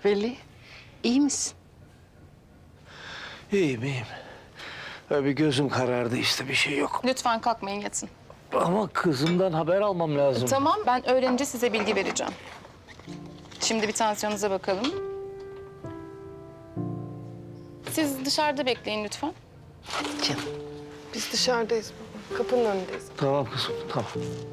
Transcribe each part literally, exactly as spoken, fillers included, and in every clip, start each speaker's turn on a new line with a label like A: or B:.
A: Veli, iyi misin?
B: İyiyim, iyiyim. Öyle bir gözüm karardı işte, bir şey yok.
C: Lütfen kalkmayın, yatın.
B: Ama kızımdan haber almam lazım.
C: Tamam, ben öğrenince size bilgi vereceğim. Şimdi bir tansiyonunuza bakalım. Siz dışarıda bekleyin lütfen.
A: Canım.
D: Biz dışarıdayız baba. Kapının önündeyiz.
B: Tamam kızım, tamam.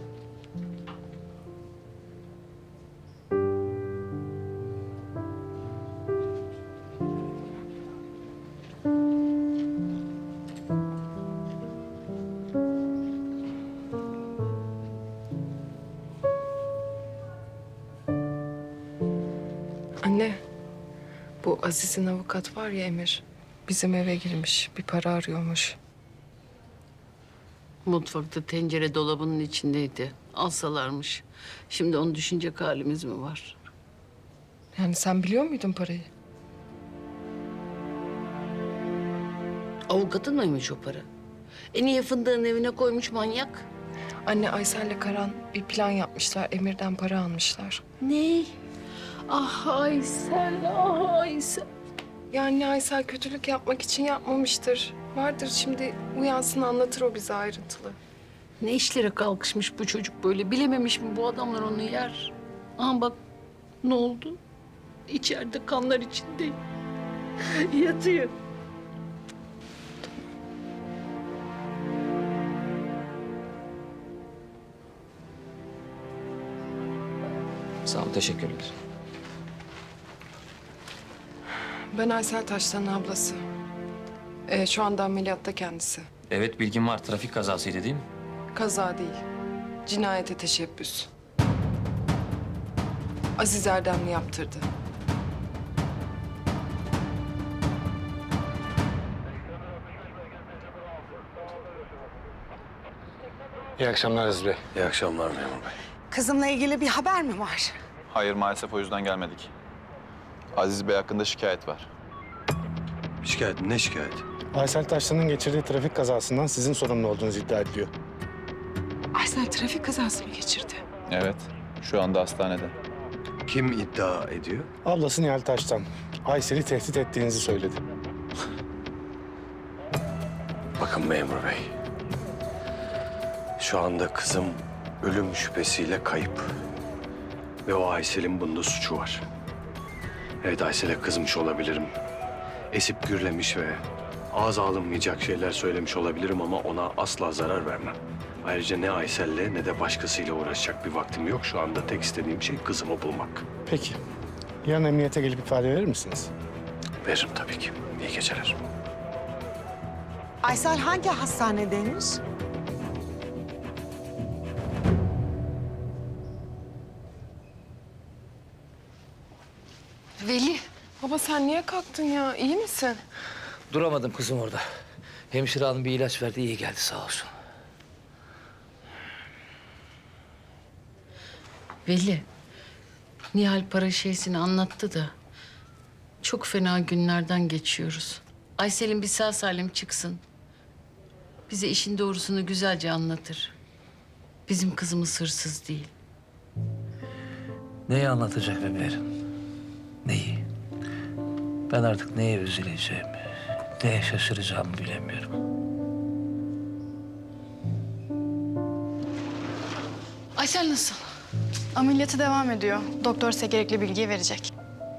D: Anne, bu Aziz'in avukat var ya Emir. Bizim eve girmiş, bir para arıyormuş.
A: Mutfakta tencere dolabının içindeydi. Alsalarmış. Şimdi onu düşünecek halimiz mi var?
D: Yani sen biliyor muydun parayı?
A: Avukatın mıymış o para? E niye fındığın evine koymuş manyak?
D: Anne, Aysel'le Karan bir plan yapmışlar. Emir'den para almışlar.
A: Ne? Ah Aysel, ah Aysel.
D: Yani Aysel kötülük yapmak için yapmamıştır. Vardır şimdi, uyansın anlatır o bize ayrıntılı.
A: Ne işlere kalkışmış bu çocuk böyle? Bilememiş mi bu adamlar onu yer? Aha bak ne oldu? İçeride kanlar içinde yatıyor.
E: Sağ ol, teşekkürler.
D: Ben Aysel Taşlan'ın ablası. Ee, şu anda ameliyatta kendisi.
E: Evet, bilgim var. Trafik kazasıydı değil mi?
D: Kaza değil, cinayete teşebbüs. Aziz Erdemli yaptırdı.
B: İyi akşamlar Aziz Bey.
F: İyi akşamlar memur bey.
G: Kızımla ilgili bir haber mi var?
H: Hayır, maalesef o yüzden gelmedik. Aziz Bey hakkında şikayet var.
F: Şikayet, ne şikayet?
I: Aysel Taşlan'ın geçirdiği trafik kazasından sizin sorumlu olduğunuz iddia ediliyor.
D: Aysel trafik kazası mı geçirdi?
H: Evet, şu anda hastanede.
F: Kim iddia ediyor?
I: Ablası Nihal Taştan, Aysel'i tehdit ettiğinizi söyledi.
F: Bakın memur bey. Şu anda kızım ölüm şüphesiyle kayıp. Ve o Aysel'in bunda suçu var. Evet, Aysel'e kızmış olabilirim. Esip gürlemiş ve ağza alınmayacak şeyler söylemiş olabilirim ama ona asla zarar vermem. Ayrıca ne Aysel'le ne de başkasıyla uğraşacak bir vaktim yok. Şu anda tek istediğim şey kızımı bulmak.
I: Peki, yarın emniyete gelip ifade verir misiniz?
F: Veririm tabii ki. İyi geceler.
G: Aysel hangi hastanedeymiş?
A: Veli.
D: Baba sen niye kalktın ya? İyi misin?
B: Duramadım kızım orada. Hemşire hanım bir ilaç verdi, iyi geldi sağ olsun.
A: Veli. Nihal para şeysini anlattı da çok fena günlerden geçiyoruz. Aysel'in bir sağ salim çıksın. Bize işin doğrusunu güzelce anlatır. Bizim kızımız hırsız değil.
B: Neyi anlatacak bebeğim? Neyi? Ben artık neye üzüleceğimi, neye şaşıracağımı bilemiyorum.
A: Aysel nasıl?
C: Ameliyatı devam ediyor. Doktor size gerekli bilgiyi verecek.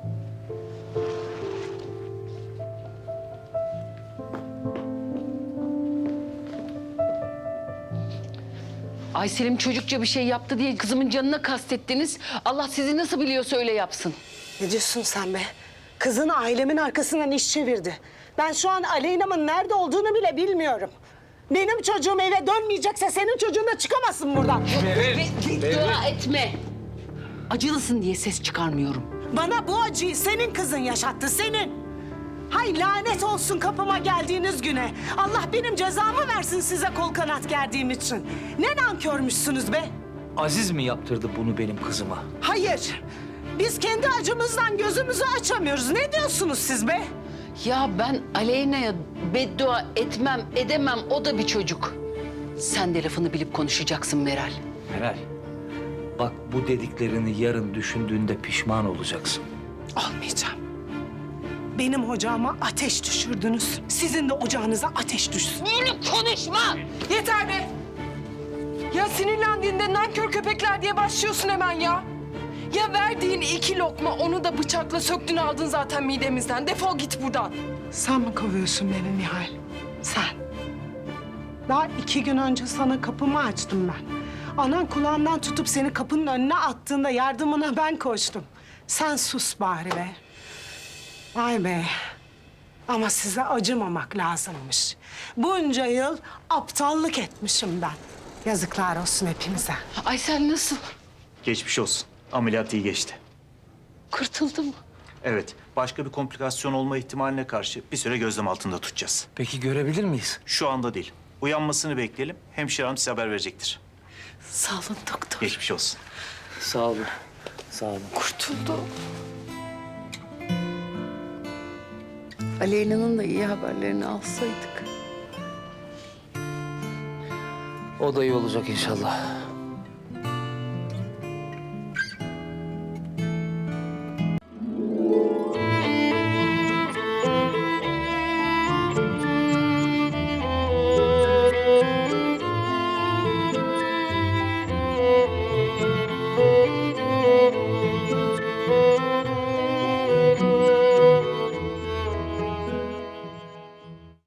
A: Aysel'im çocukça bir şey yaptı diye kızımın canına kastettiniz. Allah sizi nasıl biliyorsa öyle yapsın.
G: Ne diyorsun sen be? Kızın ailemin arkasından iş çevirdi. Ben şu an Aleyna'mın nerede olduğunu bile bilmiyorum. Benim çocuğum eve dönmeyecekse senin çocuğun da çıkamasın buradan.
A: Dua etme. Acılısın diye ses çıkarmıyorum.
G: Bana bu acıyı senin kızın yaşattı, senin. Hay lanet olsun kapıma geldiğiniz güne. Allah benim cezamı versin size kol kanat gerdiğim için. Ne nankörmüşsünüz be?
B: Aziz mi yaptırdı bunu benim kızıma?
G: Hayır. Biz kendi acımızdan gözümüzü açamıyoruz. Ne diyorsunuz siz be?
A: Ya ben Aleyna'ya beddua etmem, edemem. O da bir çocuk. Sen de lafını bilip konuşacaksın Meral.
B: Meral, bak bu dediklerini yarın düşündüğünde pişman olacaksın.
G: Olmayacağım. Benim ocağıma ateş düşürdünüz. Sizin de ocağınıza ateş düşsün.
D: Yeter be! Ya sinirlendiğinde nankör köpekler diye başlıyorsun hemen ya. Ya verdiğin iki lokma onu da bıçakla söktün aldın zaten midemizden. Defol git buradan.
G: Sen mi kovuyorsun beni Nihal? Sen. Daha iki gün önce sana kapımı açtım ben. Anan kulağından tutup seni kapının önüne attığında yardımına ben koştum. Sen sus bari be. Vay be. Ama size acımamak lazımmış. Bunca yıl aptallık etmişim ben. Yazıklar olsun hepinize.
A: Aysel nasıl?
J: Geçmiş olsun. Ameliyat iyi geçti.
A: Kurtuldu mu?
J: Evet, başka bir komplikasyon olma ihtimaline karşı bir süre gözlem altında tutacağız.
B: Peki görebilir miyiz?
J: Şu anda değil. Uyanmasını bekleyelim. Hemşire hanım size haber verecektir.
A: Sağ olun doktor.
J: Geçmiş olsun.
B: Sağ olun. Sağ olun.
A: Kurtuldu. Aleyna'nın da iyi haberlerini alsaydık.
B: O da iyi olacak inşallah.